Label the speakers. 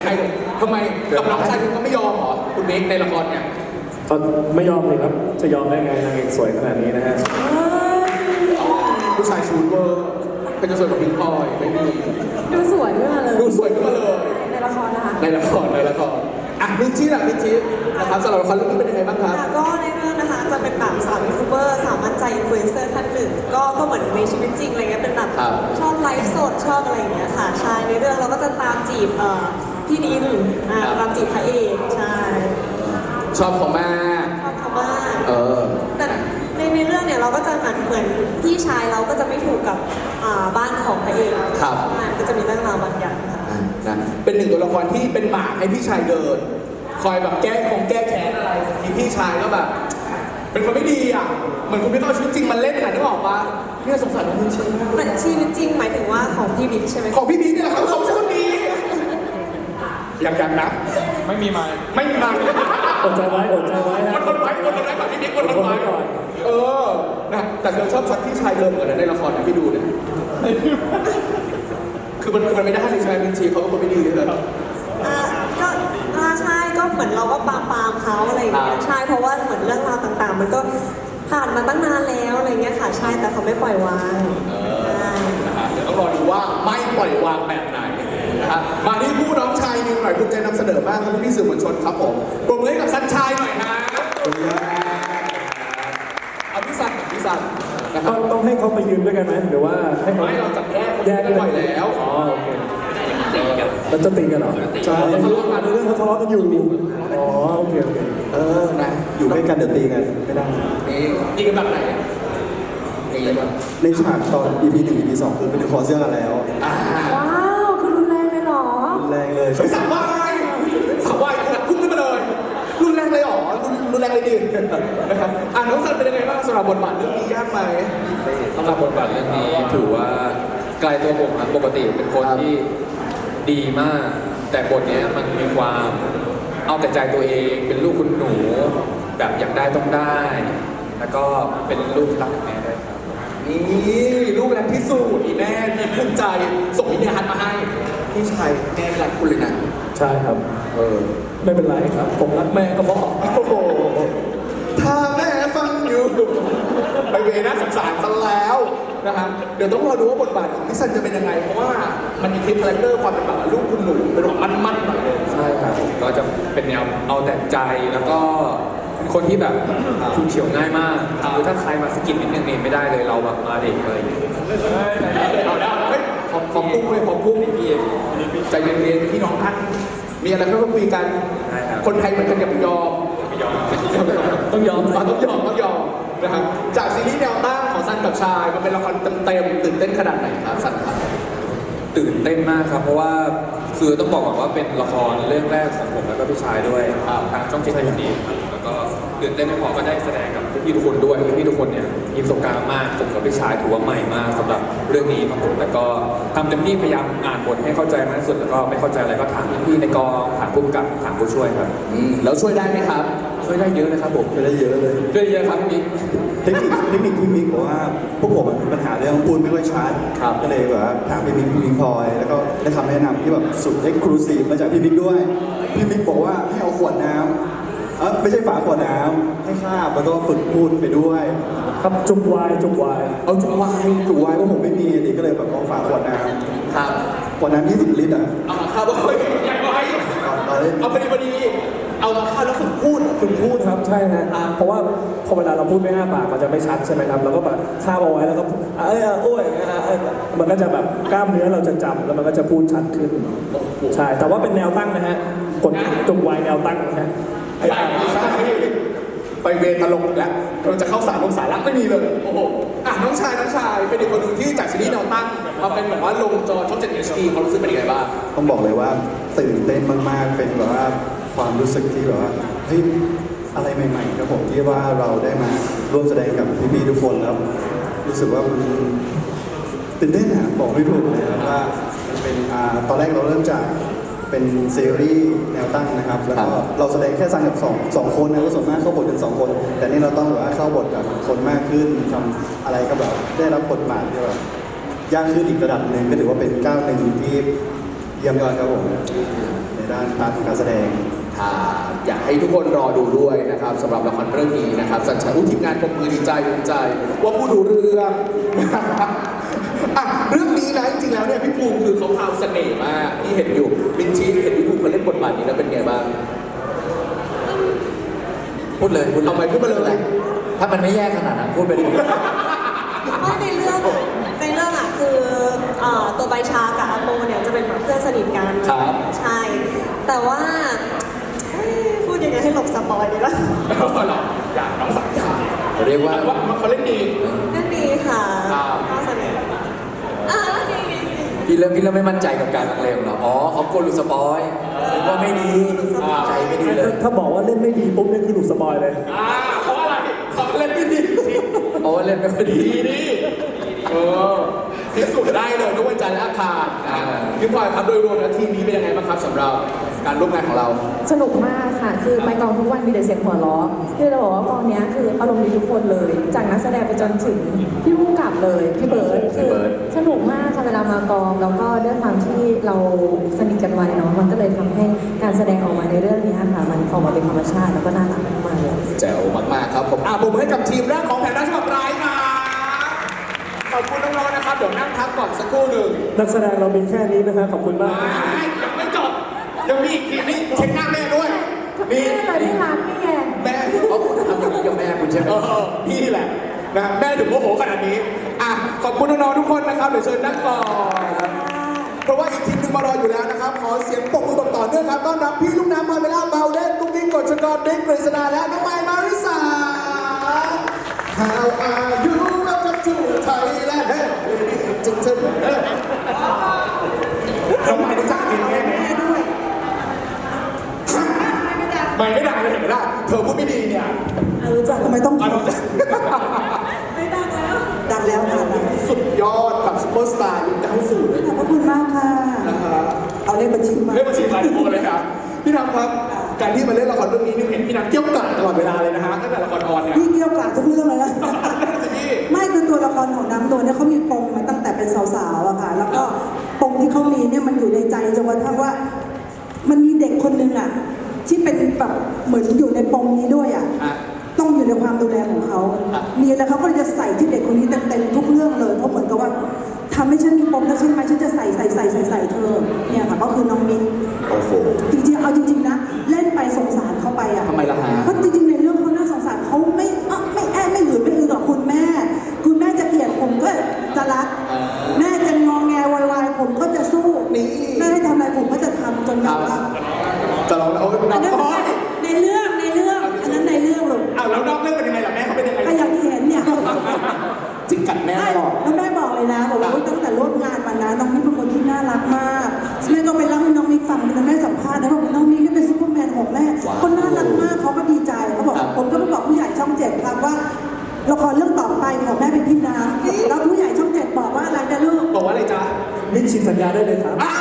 Speaker 1: ใครทำไมกับน้องชายคุณก็ไม่ยอมเหรอคุณเมกในละครเนี่ย
Speaker 2: ก็ไม่ยอมเลยครับจะยอมได้ไงนางเอกสวยขนาดนี้นะฮะ
Speaker 1: ผู้ชายชูดเวอร์เป็นจะสวยกว่าพิงพลอยไม่มี
Speaker 3: ดูสวยขึ้นมาเลย
Speaker 1: ดูสวยขึ้นมาเลย
Speaker 3: ในละครนะคะ
Speaker 1: ในละครอ่ะมินชี่ล่ะมินชี่นะครับสำหรับละครเรื่องนี้เป็นยังไงบ้างครับ
Speaker 4: ค่ะก็ในเรื่องนะคะจะเป็นแบบสาวยูทูบเบอร์สาวมั่นใจอินฟลูเอนเซอร์ท่านหนึ่งก็เหมือนในชีวิตจริงอะไรเงี้ยเป็นแบบ
Speaker 1: ครับ
Speaker 4: ชอบไลฟ์สดชอบอะไรอย่างเงี้ยค่ะใช่ในเรื่องเราก็จะตามจีบพี่นินตามจีบพระเอกใช่
Speaker 1: ชอบเขามาก
Speaker 4: ชอบเขามาก แต่ในเรื่องเนี่ยเราก็จะเหมือนพี่ชายเราก็จะไม่ถูกกับบ้านของพระเอก
Speaker 1: ครับ
Speaker 4: ก็จะมีเรื่องราวบางอย่างค่ะ
Speaker 1: นะเป็นหนึ่งตัวละครที่เป็นหมากให้พี่ชายเดิน คอยแบบแก้แค้นอะไรทีพี่ชายก็แบบ เป็นคนไม่ดีอ่ะเหมือนคุณไม่ต้องเอาชีวิตจริงมาเล่นอ่ะนึกออกปะเนี่ยสงสารน้องมินชี่มาก
Speaker 4: แต่ชีวิตจริงหมายถึงว่าของพี่บิ๊กใช่ไหม
Speaker 1: ของพี่บิ๊กนี่แหละครับเขาเป็นคนดียังนะไม่มีมา
Speaker 2: อดใจไว้อดใจไว้
Speaker 1: อดทนไว้ก่อนพี่บิ๊กอดทนไว้
Speaker 2: ก่อน
Speaker 1: นะแต่เธอชอบช็อตที่ชายเดินเหมือนกันในละครนะพี่ดูเนี่ยคือมันไม่ได้เลยใช่ไหมมินชี่เขาเป็นคนไม่ดีเลย
Speaker 4: ก็ใช่ก็เหมือนเราก็ปามเขาอะไรอย่างเงี้ยใช่เพราะว่าเหมือนเรื่องราวต่างๆ มันก็ผ่านมาตั้งนานแล้วอะไรเงี้ยค่ะใช่แต่เขาไม่ปล่อยวางใช่
Speaker 1: เดี๋ยวต้องรอดูว่าไม่ปล่อยวางแบบไหนนะครับมาที่ผู้น้องชายนิวหน่อยภูมิใจนำเสนอมากครับพี่สื่อมวลชนครับผมปรบมือให้กับสันชายหน่อยฮะเอาพี่สันนะครับ
Speaker 2: ต้องให้เขาไปยืนด้วยกันไหมหรือว่าให้เขา
Speaker 1: ไม่เราจับแยก
Speaker 2: กัน
Speaker 1: ปล่อยแล้ว
Speaker 2: อ๋อโอเคแล้วจะตีกันเหรอใช่ทะเลาะกันเรื่องเขาทะเลาะกันอยู่อ๋อโอเค
Speaker 1: นะ
Speaker 5: อยู่ด้วยกันเดี๋ยวตีกันไม่ได้
Speaker 1: นี่ยิงกันแบบไหนนี่แบบ
Speaker 5: ในฉากตอน EP 1 EP 2คือเป็นคอเสื้อกันแล้ว
Speaker 3: ว้าวคือรุนแรงเลยเหรอ
Speaker 5: แรงเลย
Speaker 1: สาววายพุ่งขึ้นมาเลยรุนแรงเลยหรอรุนแรงเลยดินะครับน้องสันเป็นยังไงบ้างสำหรับบทบาทเรื่องนี้ยากไหม
Speaker 6: สำหรับบทบาทเรื่องนี้ถือว่าไกลตัวผมครับปกติเป็นคนที่ดีมาก แต่บทเนี้ยมันมีความเอาแต่ใจตัวเองเป็นลูกคุณหนูแบบอยากได้ต้องได้ แล้วก็เป็นลูกที่รักแม่ด้วยครับ
Speaker 1: นี่ลูกแรกพิสูจน์อีแม่มีภูมิใจส่งวิญญาณมาให้พี่ชายแม่รักคุณเลยนะ
Speaker 2: ใช่ครับไม่เป็นไรครับผมรักแม่ก็พอ
Speaker 1: โอ้โหถ้าแม่ฟังอยู่ไปเวน่าสงสารซะแล้วนะครับเดี๋ยวต้องรอดูว่าบทบาทของพี่ซันจะเป็นยังไงเพราะว่ามันมีคลิปคาแรคเตอร์ความเป็นแบบลูกคุณหนูเป็นแบบมั่นๆหน่อยเลย
Speaker 6: ใช่ครับก็จะเป็นแนวเอาแต่ใจแล้วก็เป็นคนที่แบบคุณเฉียวง่ายมากคือถ้าใครมาสะกิดนิดนึงนี่ไม่ได้เลยเราแบบมาเด็กเลย
Speaker 1: เอาได้เฮ้ยขอบพุ่งเลยขอบพุ่งพี่เองใจเย็นๆพี่น้องท่านมีอะไรก็ต้องคุยกัน
Speaker 6: ใช่ครับ
Speaker 1: คนไทยเหมือนกันอย่าไปยอม
Speaker 2: ต้องยอม
Speaker 1: ต้องยอมนะครับจากซีรีส์แนวตั้งของซันกับชายมันเป็นละครเต็มๆตื่นเต้นขนาดไหนครับซันครับ
Speaker 6: ตื่นเต้นมากครับเพราะว่าคือต้องบอกก่อนว่าเป็นละครเรื่องแรกของผมแล้วก็พี่ชายด้วยทางช่องเจ็ดไทยดีครับแล้วก็ตื่นเต้นไม่พอก็ได้แสดงกับพี่ๆทุกคนด้วยพี่ๆทุกคนเนี่ยมีประสบการณ์มากผมกับพี่ชายถือว่าใหม่มากสำหรับเรื่องนี้ครับผมแต่ก็ทำเต็มที่พยายามอ่านบทให้เข้าใจมากที่สุดแล้วก็ไม่เข้าใจอะไรก็ถามพี่ๆในกองถามผู้กำกับถามผู้ช่วยครับ
Speaker 1: แล้วช่วยได้ไหมครับ
Speaker 6: ช่วยได้เยอะนะครับผม
Speaker 5: ไปได้เยอะเลย
Speaker 6: ช่วยได้เยอะครับพี่
Speaker 5: เทคนิคที่มิกบอกว่าพวกผมมีปัญหาเรื่องพูดไม่ค่อยชัดก็เลยแบบว่าถามพี่มิกพลอยแล้วก็ได้คำแนะนำที่แบบสุดเอ็กซ์คลูซีฟมาจากพี่มิกด้วยพี่มิกบอกว่าให้เอาขวดน้ำไม่ใช่ฝาขวดน้ำให้คาบแล้วก็ฝึกพูดไปด้วย
Speaker 2: ครับจุกวาย
Speaker 1: เอาจุกวาย
Speaker 5: ถูกไว้เพราะผมไม่มีนี่ก็เลยแบบเอาฝาขวดน้ำ
Speaker 1: ครับ
Speaker 5: ขวดน้ำ20 ลิตรอ่ะ
Speaker 1: เอามาข้าวเฮ้ยใหญ่ไว้
Speaker 5: เอาเล่น
Speaker 1: เอาพอดีเอามาข้าวแล้วฝึกพูด
Speaker 2: ฝึกพูดครับใช่ฮะเพราะว่าพอเวลาเราพูดไม่อ้าปากมันจะไม่ชัดใช่ไหมครับเราก็แบบคาบเอาไว้แล้วก็โอ้ยมันก็จะแบบกล้ามเนื้อเราจะจำแล้วมันก็จะพูดชัดขึ้นใช่แต่ว่าเป็นแนวตั้งนะฮะกดจุกวายแนวตั้งนะฮะ
Speaker 1: ใช่ไปเวรตลกแล้วเราจะเข้าสารลงสาระไม่มีเลยโอ้โหน้องชายเป็นอีกคนหนึ่งที่จากซีรีส์แนวตั้งมาเป็นแบบว่าลงจอช่อง 7 HD เขารู้สึกเป็นยังไงบ้าง
Speaker 5: ต้องบอกเลยว่าตื่นเต้นมากๆเป็นแบบว่าความรู้สึกที่แบบว่าเฮ้ยอะไรใหม่ๆครับผมที่ว่าเราได้มาร่วมแสดงกับพี่ๆทุกคนแล้วรู้สึกว่ามันตื่นเต้นอะบอกไม่ถูกเลยครับว่ามันเป็นตอนแรกเราเริ่มจากเป็นซีรีส์แนวตั้งนะครับแล้วก็เราแสดงแค่ซันกับสองคนนะก็ส่วนมากเข้าบทกัน2 คน แต่นี่เราต้องแบบว่าเข้าบทกับคนมากขึ้นทำอะไรก็แบบได้รับบทบาทที่แบบยากขึ้นอีกระดับหนึ่งก็ถือว่าเป็นก้าวหนึ่งที่เยี่ยมยอดครับผมในด้านพาร์ทของการแสดง
Speaker 1: อยากให้ทุกคนรอดูด้วยนะครับสำหรับละครเรื่องนี้นะครับสัญชัยทีมงานปรบมือดีใจภูมิใจ ว่าผู้ดูเรื่องนะครับอ่ะเรื่องนี้นะจริงๆแล้วเนี่ยพี่ภูมิคือเขาพราวเสน่ห์มากที่เห็นอยู่บินชีเห็นพี่ภูมิเขาเล่นบทบาทนี้แล้วเป็นไงบ้าง
Speaker 7: พูดเลยพูด
Speaker 1: เอาไปพูดมาเลย
Speaker 7: ถ้ามันไม่แย่ขนาดนั้นพูดไปดิ
Speaker 4: เพราะในเรื่องอ่ะคือตัวใบชากับอาโปเนี่ยจะเป็นแบบเพื่อนสนิทกัน
Speaker 1: ครับ
Speaker 4: ใช่ แต่ว่าพูดยังไงให้หลบสปอยดีล่ะ
Speaker 1: หรออยากน้องสักอย่าง
Speaker 7: เรียกว่า
Speaker 1: ว่าเขาเล่นดี
Speaker 4: นั่นดีค่ะ
Speaker 1: ครับ
Speaker 4: ข้อเสนอดี
Speaker 7: พี่เริ่มไม่มั่นใจกับการลังเลของเราอ๋อเขากลัวหลุดสปอยเรียกว่าไม่ดีใจไม่ดีเลย
Speaker 2: ถ้าบอกว่าเล่นไม่ดีปุ๊บเนี่ยคือหลุดสปอยเลย
Speaker 1: เพราะอะไรเขาเล่นไม่ดี
Speaker 7: เพราะว่าเล่นไม่ค่อยดี
Speaker 1: ดีดิพิสูจน์ได้เลยทุกวันจันทร์และอังคารพี่พลอยครับโดยรวมแล้วทีมนี้เป็นยังไงบ้างครับสำหรับการร่วมงานของเรา
Speaker 3: สนุกมากค่ะ คือไปกองทุกวันมีแต่เสียงหัวเราะคือเราบอกว่ากองเนี้ยคืออารมณ์ดีทุกคนเลย จากนักแสดงไปจนถึงพี่ผู้กำกับเลยพี่เบิร์ดคือสนุกมากค่ะเวลามากองแล้วก็ด้วยความที่เราสนิทกันไว้เนาะมันก็เลยทำให้การแสดงออกมาในเรื่องนี้ค่ะมันออกมาเป็นธรรมชาติแล้วก็น่ารักมากๆเลย
Speaker 1: แจ๋วมากๆครับผมผมให้กับทีมแรกของแผนรัชกับร้ายครับขอบคุณน้องๆนะครับเดี๋ยวนั่งพักก่อนสักครู่หนึ่ง
Speaker 2: นักแสดงเรามีแค่นี้นะฮะขอบคุณมาก
Speaker 1: ยังไม่จบยังมีอีกทีนี่เช็คหน้าแม่ด้วย
Speaker 3: แม่เลยไม่รักนี่ไง
Speaker 1: แม่
Speaker 7: เพราะคุณทำอย่างนี้กับแม่คุณใช่ไหม
Speaker 1: พี่แหละนะครับแม่ถึงโมโหขนาดนี้ขอบคุณน้องๆทุกคนนะครับเดี๋ยวเชิญนั่งก่อนเพราะว่าอีกทีมหนึงมารออยู่แล้วนะครับขอเสียงปรบมือแบบต่อเนื่องครับต้อนรับพี่ลูกน้ำพาเมล่าเบลเดนกุ๊กกิ๊กกฎชกรเด็กกฤษณาและน้องไมค์มาริสา How are you welcome to Thailand เฮ้ยจึงน้องไมค์รู้จักเพลงแม่ไหมไม่ดังเลยเห็นไหมล่ะเธอพูดไม่ดีเนี่ย
Speaker 4: รู้จักทำไมต้อง
Speaker 1: ไม่ดัง
Speaker 4: ไม่ดังแล้วดังแล้วค่ะดัง
Speaker 1: สุดยอดกับซุปเปอร์สตาร์ยุค90
Speaker 4: ขอบพระคุณมากค่ะ
Speaker 1: นะฮะ
Speaker 4: เอาเลขบัญชีมา
Speaker 1: เล่นบัญชีรายโอนเลยครับพี่น้ำครับการที่มาเล่นละครเรื่องนี้นี่เห็นพี่น้ำเกี่ยวกาดตลอดเวลาเลยนะฮะตั้งแต่ละครออนเนี่ย
Speaker 8: พี่เกี่ยวกับทุกเรื่องเลยนะ
Speaker 1: นั่นสิพี่
Speaker 8: ไม่คือตัวละครของน้ำนวลเนี่ยเขามีปมมาตั้งแต่เป็นสาวๆอะค่ะ แล้วก็ปมที่เขามีเนี่ยมันอยู่ในใจจนกระทั่งว่า มันมีเด็กคนหนึ่งอะที่เป็นแบบเหมือนอยู่ในปมนี้ด้วยอะ
Speaker 1: อ่ะ
Speaker 8: ต้องอยู่ในความดูแลของเขา
Speaker 1: อ่ะ
Speaker 8: มีอะไรเขาก็จะใส่ที่เด็กคนนี้เต็มๆทุกเรื่องเลย เพราะเหมือนกับว่าทำให้ฉันมีปมแล้วใช่ไหมฉันจะใส่เธอ เนี่ยค่ะก็คือน้องมิ้น
Speaker 1: โอ้โห
Speaker 8: จริงๆ เอาจริงๆ นะ เล่นไปสงสารเขาไปอ่ะ
Speaker 1: ทำไมล่ะฮะ
Speaker 8: เพราะจริงๆ ในเรื่องเขาน่าสงสารเขาไม่แอบไม่หือไม่อือกับคุณแม่ คุณแม่จะเกลียดผมก็จะรัก แม่จะงองแงวายผมก็จะสู้
Speaker 1: นี่
Speaker 8: แม่ให้ทำอะไรผมก็จะทำจนยอมรับ
Speaker 1: จะลองแล้วโอ้ย
Speaker 8: อันนั้น
Speaker 1: น้อย
Speaker 8: ในเรื่องอันนั้นในเรื่องลูก
Speaker 1: แล้วนอกเรื่องเป็นยังไงล่ะแม่เขาเป็นยังไง
Speaker 8: ก็อย่างที่เห็นเนี่ย
Speaker 1: จริงกัดแม่
Speaker 8: ใช่
Speaker 1: ตลอด
Speaker 8: แล้วแม่บอกเลยนะบอกว่าตั้งแต่ร่วมงานมานะน้องมิกเป็นคนที่น่ารักมากแม่ก็ไปเล่าให้น้องมิกฟังเป็นแม่สัมภาษณ์นะบอกว่าน้องมิกนี่เป็นซุปเปอร์แมนของแม่คนน่ารักมากเขาก็ดีใจเขาบอกผมก็ไปบอกผู้ใหญ่ช่อง7ครับว่าละครเรื่องต่อไปของแม่เป็นพี่น้ำแล้วผู้ใหญ่ช่อง7บอกว่าอะไรนะลูก
Speaker 1: บอกว่าอะไรจ๊ะ
Speaker 2: มิ้นฉีกสัญญาได้เลยครับ
Speaker 1: อ้าว